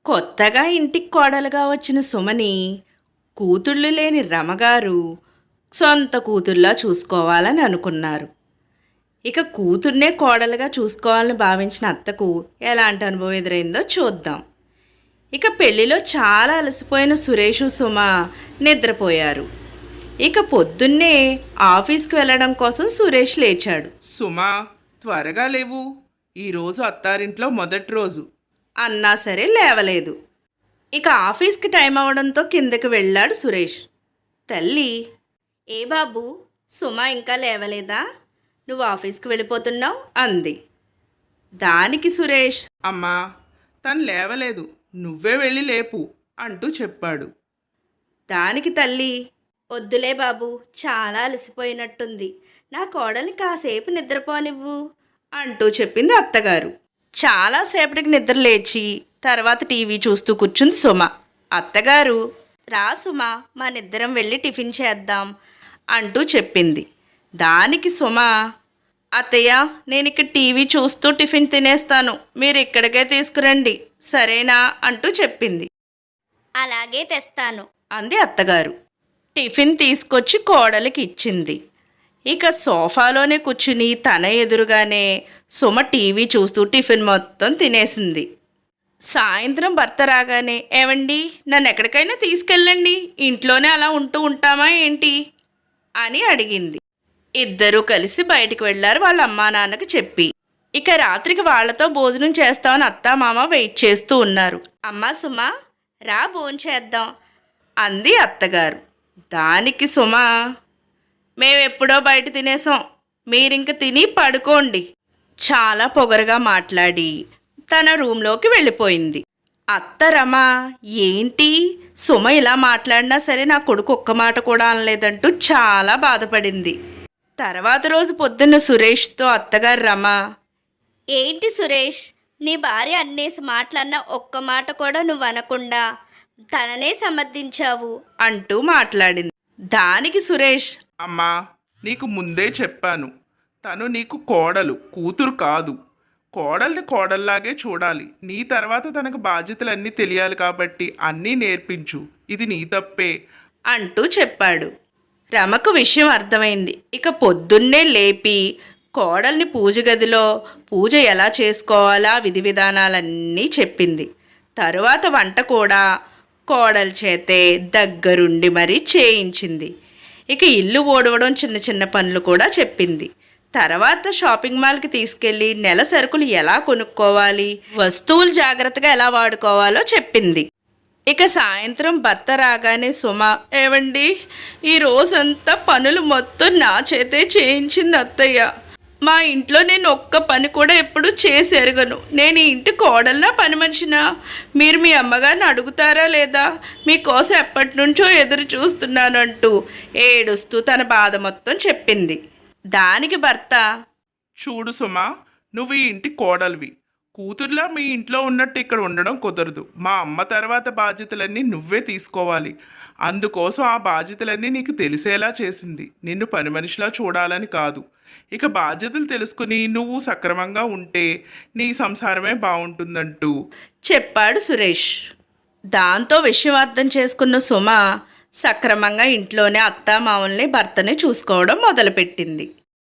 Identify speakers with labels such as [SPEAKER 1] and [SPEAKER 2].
[SPEAKER 1] కొత్తగా ఇంటికి కోడలుగా వచ్చిన సుమని కూతుళ్ళు లేని రమగారు సొంత కూతుర్లా చూసుకోవాలని అనుకున్నారు. ఇక కూతుర్నే కోడలుగా చూసుకోవాలని భావించిన అత్తకు ఎలాంటి అనుభవం ఎదురైందో చూద్దాం. ఇక పెళ్లిలో చాలా అలసిపోయిన సురేషు సుమ నిద్రపోయారు. ఇక పొద్దున్నే ఆఫీస్కి వెళ్ళడం కోసం సురేష్ లేచాడు.
[SPEAKER 2] సుమా, త్వరగా లేవు. ఈరోజు అత్తారింట్లో మొదటి రోజు.
[SPEAKER 1] అన్నా సరే లేవలేదు. ఇక ఆఫీస్కి టైం అవడంతో కిందకి వెళ్ళాడు సురేష్. తల్లి, ఏ బాబు, సుమ ఇంకా లేవలేదా? నువ్వు ఆఫీస్కి వెళ్ళిపోతున్నావు అంది. దానికి సురేష్,
[SPEAKER 2] అమ్మా, తను లేవలేదు, నువ్వే వెళ్ళి లేపు అంటూ చెప్పాడు.
[SPEAKER 1] దానికి తల్లి, వద్దులే బాబు, చాలా అలసిపోయినట్టుంది, నా కోడల్ని కాసేపు నిద్రపోనివ్వు అంటూ చెప్పింది అత్తగారు. చాలాసేపటికి నిద్ర లేచి తర్వాత టీవీ చూస్తూ కూర్చుంది సుమ. అత్తగారు, రా సుమ, మనిద్దరం వెళ్ళి టిఫిన్ చేద్దాం అంటూ చెప్పింది. దానికి సుమ, అత్తయ్య, నేను ఇక్కడ టీవీ చూస్తూ టిఫిన్ తినేస్తాను, మీరు ఇక్కడికే తీసుకురండి సరేనా అంటూ చెప్పింది.
[SPEAKER 3] అలాగే తెస్తాను
[SPEAKER 1] అంది అత్తగారు. టిఫిన్ తీసుకొచ్చి కోడలికి ఇచ్చింది. ఇక సోఫాలోనే కూర్చుని తన ఎదురుగానే సుమ టీవీ చూస్తూ టిఫిన్ మొత్తం తినేసింది. సాయంత్రం భర్త రాగానే, ఏవండి, నన్ను ఎక్కడికైనా తీసుకెళ్ళండి, ఇంట్లోనే అలా ఉంటూ ఉంటామా ఏంటి అని అడిగింది. ఇద్దరూ కలిసి బయటికి వెళ్ళారు వాళ్ళ అమ్మా నాన్నకి చెప్పి. ఇక రాత్రికి వాళ్లతో భోజనం చేస్తామని అత్తామామ వెయిట్ చేస్తూ ఉన్నారు. అమ్మా సుమ, రా భోంచేద్దాం అంది అత్తగారు. దానికి సుమ, మేమెప్పుడో బయట తినేసాం, మీరింక తిని పడుకోండి చాలా పొగరుగా మాట్లాడి తన రూంలోకి వెళ్ళిపోయింది. అత్త రమ, ఏంటి సుమ ఇలా మాట్లాడినా సరే నా కొడుకు ఒక్క మాట కూడా అనలేదంటూ చాలా బాధపడింది. తర్వాత రోజు పొద్దున్న సురేష్తో అత్తగారు రమ,
[SPEAKER 3] ఏంటి సురేష్, నీ భార్య అన్నేసి మాటలన్నా ఒక్క మాట కూడా నువ్వు అనకుండా తననే సమర్థించావు
[SPEAKER 1] అంటూ మాట్లాడింది. దానికి సురేష్,
[SPEAKER 2] అమ్మా, నీకు ముందే చెప్పాను, తను నీకు కోడలు, కూతురు కాదు. కోడల్ని కోడల్లాగే చూడాలి. నీ తర్వాత తనకు బాధ్యతలన్నీ తెలియాలి కాబట్టి అన్నీ నేర్పించు. ఇది నీ తప్పే
[SPEAKER 1] అంటూ చెప్పాడు. రమకు విషయం అర్థమైంది. ఇక పొద్దున్నే లేపి కోడల్ని పూజ గదిలో పూజ ఎలా చేసుకోవాలా విధి విధానాలన్నీ చెప్పింది. తరువాత వంట కూడా కోడలి చేతే దగ్గరుండి మరీ చేయించింది. ఇక ఇల్లు ఓడవడం చిన్న చిన్న పనులు కూడా చెప్పింది. తర్వాత షాపింగ్ మాల్కి తీసుకెళ్ళి నెల సరుకులు ఎలా కొనుక్కోవాలి, వస్తువులు జాగ్రత్తగా ఎలా వాడుకోవాలో చెప్పింది. ఇక సాయంత్రం భర్త రాగానే సుమ, ఏవండి, ఈ రోజంతా పనులు మొత్తం నా చేతే చేయించింది అత్తయ్య. మా ఇంట్లో నేను ఒక్క పని కూడా ఎప్పుడు చేసి ఎరగను. నేను ఈ ఇంటి కోడల్నా పని మనిషినా? మీరు మీ అమ్మగారిని అడుగుతారా లేదా? మీకోసం ఎప్పటి నుంచో ఎదురు చూస్తున్నానంటూ ఏడుస్తూ తన బాధ మొత్తం చెప్పింది. దానికి భర్త,
[SPEAKER 2] చూడు సుమా, నువ్వు ఈ ఇంటి కోడలివి. కూతుర్లా మీ ఇంట్లో ఉన్నట్టు ఇక్కడ ఉండడం కుదరదు. మా అమ్మ తర్వాత బాధ్యతలన్నీ నువ్వే తీసుకోవాలి. అందుకోసం ఆ బాధ్యతలన్నీ నీకు తెలిసేలా చేసింది. నిన్ను పని మనిషిలా చూడాలని కాదు. ఇక బాధ్యతలు తెలుసుకుని నువ్వు సక్రమంగా ఉంటే నీ సంసారమే బాగుంటుందంటూ
[SPEAKER 1] చెప్పాడు సురేష్. దాంతో విషయం అర్థం చేసుకున్న సుమ సక్రమంగా ఇంట్లోనే అత్తామామల్ని భర్తని చూసుకోవడం మొదలుపెట్టింది.